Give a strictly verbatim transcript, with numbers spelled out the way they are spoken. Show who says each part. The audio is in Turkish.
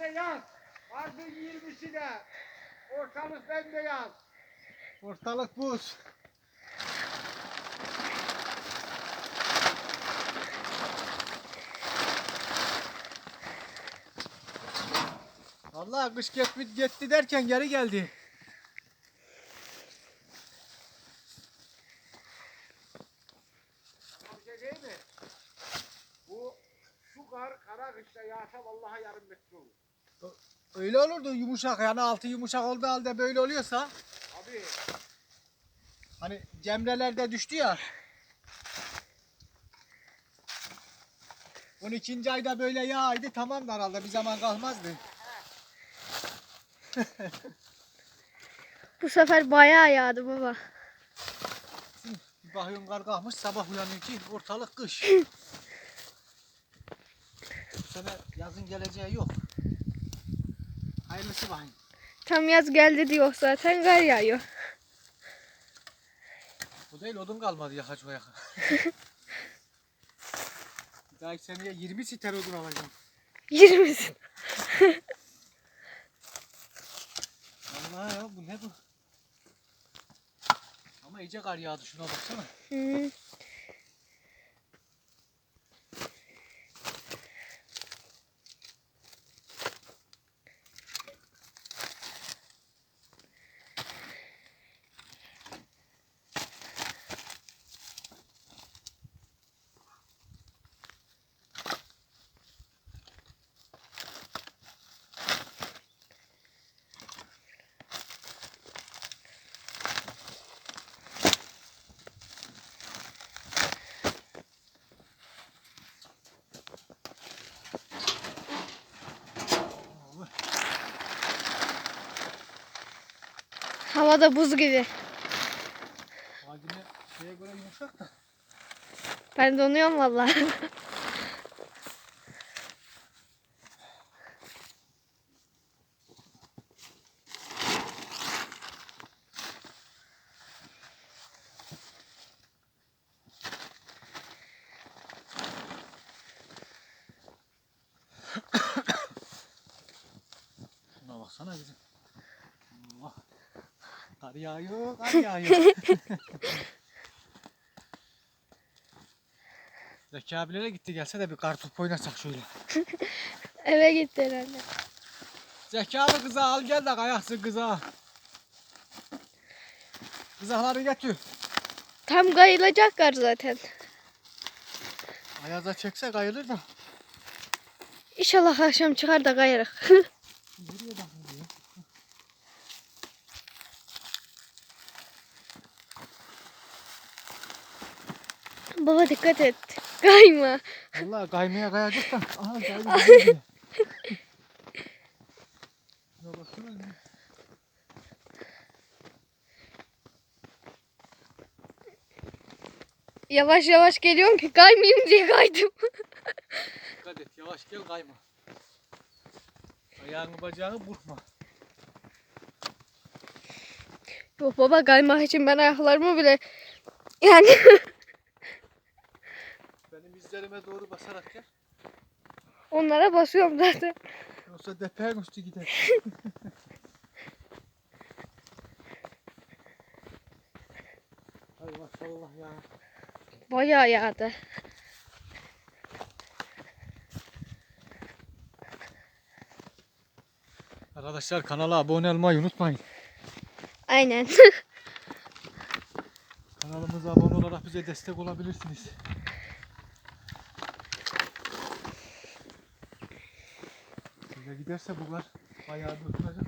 Speaker 1: de yaz. Mart'ın yirmisi de. Ortalık bembeyaz.
Speaker 2: Ortalık buz. Vallahi kış gitti, gitti derken geri geldi.
Speaker 1: Ama bir şey değil mi? Bu şu kar kara kışta yağsa vallahi yarım metre olur.
Speaker 2: Öyle olurdu yumuşak, yani altı yumuşak olduğu halde böyle oluyorsa.
Speaker 1: Abi.
Speaker 2: Hani cemrelerde düştü ya. on ikinci ayda böyle yağaydı, tamam da herhalde bir zaman kalmazdı.
Speaker 3: Bu sefer bayağı yağdı baba.
Speaker 2: Bir bakıyorsun kar kalkmış, sabah uyanıyor ki ortalık kış. Bu sene yazın geleceği yok. Hayırlısı bakayım.
Speaker 3: Tam yaz geldi diyor zaten, kar yağıyor.
Speaker 2: Bu değil, odun kalmadı yakaç o yaka. Bir dahaki seneye yirmi siter odun alacağım.
Speaker 3: Yirmisin.
Speaker 2: Vallahi ya, bu ne bu? Ama iyice kar yağdı, şuna baksana.
Speaker 3: Hı. Havada buz gibi.
Speaker 2: Hacine şeye göre yumuşak da.
Speaker 3: Ben donuyorum vallahi.
Speaker 2: Şuna baksana bizim. Allah. Kar yağıyor, kar yağıyor. Zeki abilere gitti, gelse de bir kartopu oynasak şöyle.
Speaker 3: Eve gitti herhalde.
Speaker 2: Zeki abi kıza al gel de kayaksın kıza. Kızakları getir.
Speaker 3: Tam kayılacak kar zaten.
Speaker 2: Ayaza çekse kayılır da.
Speaker 3: İnşallah akşam çıkar da kayarız.
Speaker 2: Nereye bakıyor?
Speaker 3: Baba dikkat et. Kayma.
Speaker 2: Vallahi kaymaya kayacak da. Aha kaydı gidiyor. Şuna baksana.
Speaker 3: Yavaş yavaş geliyorum ki kaymayayım diye kaydım.
Speaker 2: Dikkat et, yavaş gel, kayma. Ayağını bacağını burkma.
Speaker 3: Yok baba, kaymak için ben ayaklarımı bile yani
Speaker 2: Benim izlerime doğru basarak gel.
Speaker 3: onlara basıyorum zaten.
Speaker 2: Yoksa depeğin üstü gider. Hay maşallah ya.
Speaker 3: Bayağı yağdı.
Speaker 2: Arkadaşlar kanala abone olmayı unutmayın.
Speaker 3: Aynen.
Speaker 2: Kanalımıza abone olarak bize destek olabilirsiniz. Böyle giderse bu kar bayağı bir oturacak.